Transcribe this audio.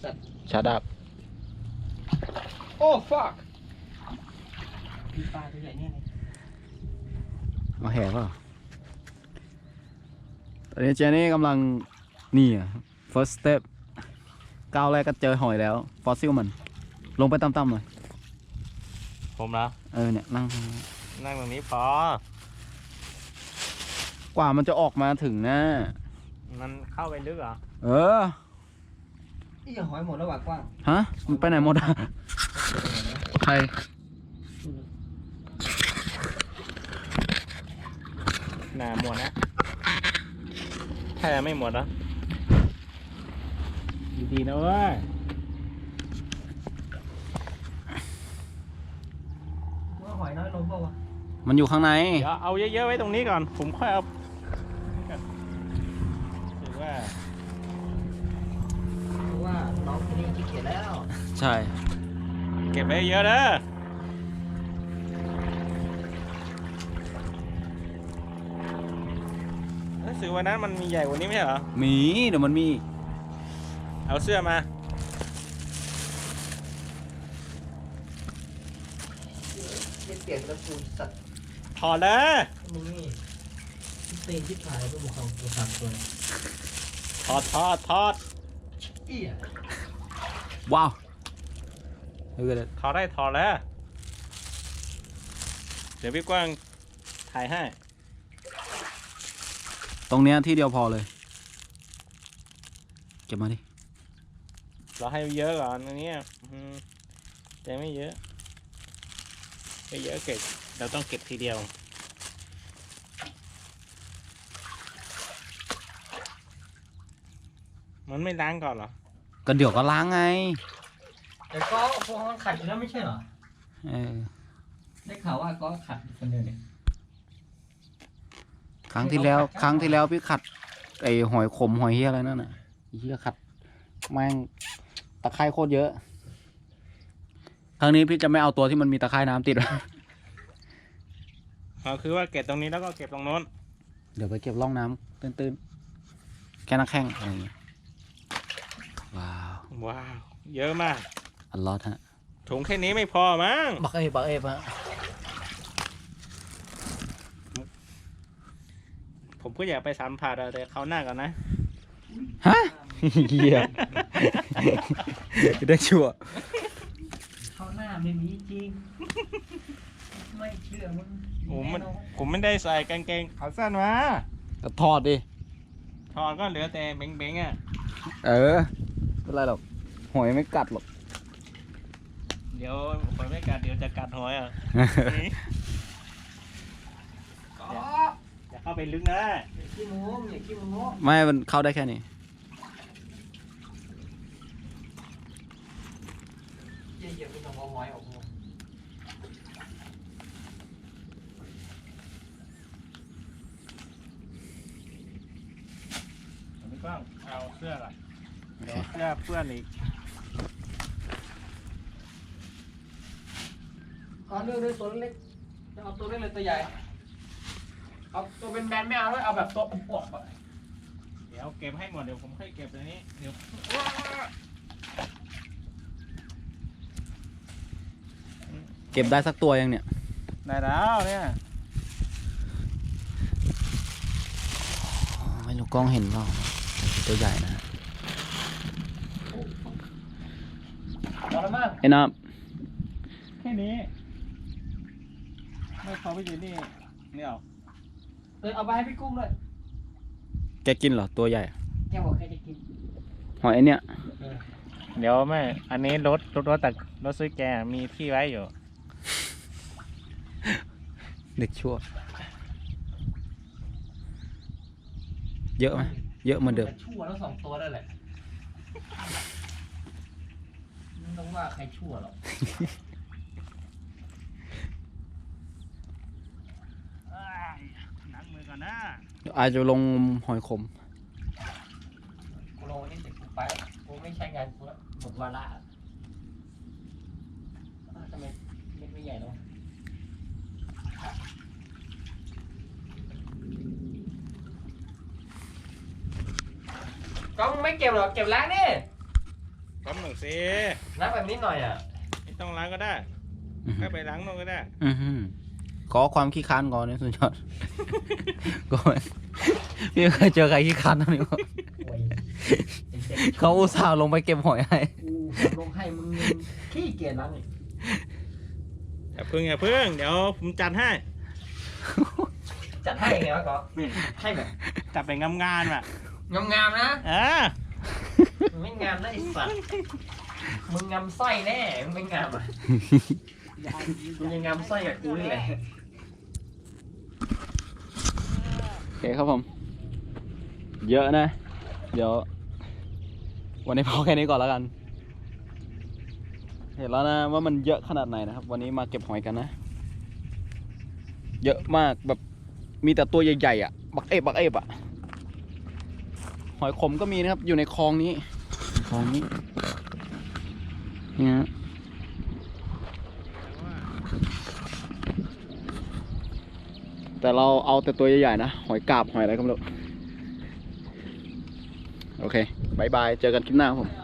ชาดับโอ้ fuck มีปลาตัวใหญ่เนี่ยเอาแห่เปล่าตอนนี้เจนี่กำลังนี่อ่ะ first step ก้าวแรกก็เจอหอยแล้วฟอสซิลมันลงไปต่ำๆหน่อยผมนะเนี่ยนั่งตรงนี้พอกว่ามันจะออกมาถึงนะมันเข้าไปลึกเหรอนี่หอยหมดแล้วว่ะกว้างฮะมันไปไหนหมดอ่ะใครหนาหมดนะแค่ไม่หมดนะดีๆนะเว้ยว่าหอยน้อยลงเปล่าวะมันอยู่ข้างในเดี๋ยวเอาเยอะๆไว้ตรงนี้ก่อนผมค่อยเอาถือว่าน้องคนนี้ขี้เกียจแล้วใช่เก็บไว้เยอะเด้อรู้สึกวันนั้นมันมีใหญ่กว่านี้ไม่ใช่เหรอมีเดี๋ยวมันมีเอาเสื้อมาเปลี่ยนกระสุนสัตว์ถอดเลยมึงนี่เต็มที่ถ่ายไปหมดของตัวสัตว์ตัวถอดว้าวถอดได้ถอดแล้วเดี๋ยวพี่กว้างถ่ายให้ตรงเนี้ยที่เดียวพอเลยเก็บมาดิเราให้เยอะก่อนอันนี้แต่ไม่เยอะไม่เยอะเก็บเราต้องเก็บทีเดียวมันไม่ล้างก่อนเหรอก็เดี๋ยวก็ล้างไงแต่ก็พวกมันขัดอยู่แล้วไม่ใช่เหรอได้ข่าวว่าก็ขัดคนเดียวเนี่ยครั้งที่แล้วพี่ขัดไอหอยขมหอยเฮียอะไรนั่นน่ะเฮียขัดแม่งตะไคร่โคตรเยอะครั้งนี้พี่จะไม่เอาตัวที่มันมีตะไคร่น้ำติดคือว่าเก็บตรงนี้แล้วก็เก็บตรงโน้นเดี๋ยวไปเก็บร่องน้ำตื้นๆแค่นักแข้งอะไรอย่างเงี้ยว้าวเยอะมากอัลลอฮ์ฮะถุงแค่นี้ไม่พอมั้งบักเอฟฮะผมก็อยากไปสัมผัสแต่เขาหน้าก่อนนะฮะเหี้ยได้ชัวร์เขาหน้าไม่มีจริงไม่เชื่อมึงผมไม่ได้ใส่กางเกงขาสั้นมาก็ถอดดิถอดก็เหลือแต่เบ้งๆอ่ะไม่เป็นไรหรอกหอยไม่กัดหรอกเดี๋ยวหอยไม่กัดเดี๋ยวจะกัดหอยอ่ะอย่าเข้าไปลึกนะอย่าขี้โม้ไม่มันเข้าได้แค่นี้อย่าไปเอาหอยออกมาไม่ต้องเอาเสื้อก่อนเดี๋ยวเสื้อเพื่อนอีกเลือกด้วยตัวเล็กจะเอาตัวเล็กเลยตัวใหญ่เอาตัวเป็นแบนไม่เอาด้วยเอาแบบตัวอวบๆอ่ะเดี๋ยวเก็บให้หมดเดี๋ยวผมค่อยเก็บตัวนี้เดี๋ยวเก็บได้สักตัวยังเนี่ยได้แล้วเนี่ยไม่รู้กล้องเห็นเปล่าตัวใหญ่นะไอ้น้ำแค่นี้ไม่พอไปอยู่นี่เนี่ยเอาไปให้พี่กุ้งเลยแกกินเหรอตัวใหญ่แกบอกแกจะกินหอยไอเนี้ยเดี๋ยวแม่อันนี้รถแต่รถซื้อแกมีที่ไว้อยู่เด็กชั่วเยอะไหมเยอะเหมือนเดิมชั่วแล้ว2 ตัวได้แหละไม่ต้องว่าใครชั่วหรอกหนังมือก่อนนะอาจจะลงหอยขมกูลงนี่เสร็จกูไปกูไม่ใช้งานกูแล้วหมดวาระทำไมไม่ใหญ่หรอก็ไม่เก็บหรอกเก็บล้างนี่แป๊บหนึ่งสิล้างแบบนิดหน่อยอ่ะไม่ต้องล้างก็ได้อื้อหืแค่อไปล้างนอกก็ได้อื้อหือขอความขี้ค้านก่อนเนี่ยสุดยอด ก็พี่เคยเจอใครขี้ค้านเท่านี้วะโอ้ยเด็กเขาอุตส่าห์ลงไปเก็บหอยให้ๆกูขับลงให้มึงยังขี้เกียจล้างอีกอย่าพึ่งอย่าพึ่งเดี๋ยวผมจัดให้จัดให้ไงวะก็ให้แบบจัดเป็นงามๆอ่ะงามๆนะเออมึงไม่งามนะไอ้สัตว์มึงงามไส้แน่มึงไม่งามอ่ะมึงยังงามไส้กับกูนี่แหละโอเคครับผม เยอะนะ เดี๋ยว วันนี้พอแค่นี้ก่อนแล้วกัน เห็นแล้วนะว่ามันเยอะขนาดไหนนะครับ วันนี้มาเก็บหอยกันนะ เยอะมากแบบมีแต่ตัวใหญ่ๆอ่ะ บักเอฟอ่ะ หอยขมก็มีนะครับ อยู่ในคลองนี้คลองนี้นี่ฮะแต่เราเอาแต่ตัวใหญ่ๆนะ หอยกาบหอยอะไรก็ไม่รู้ โอเคบายบาย เจอกันคลิปหน้าครับผม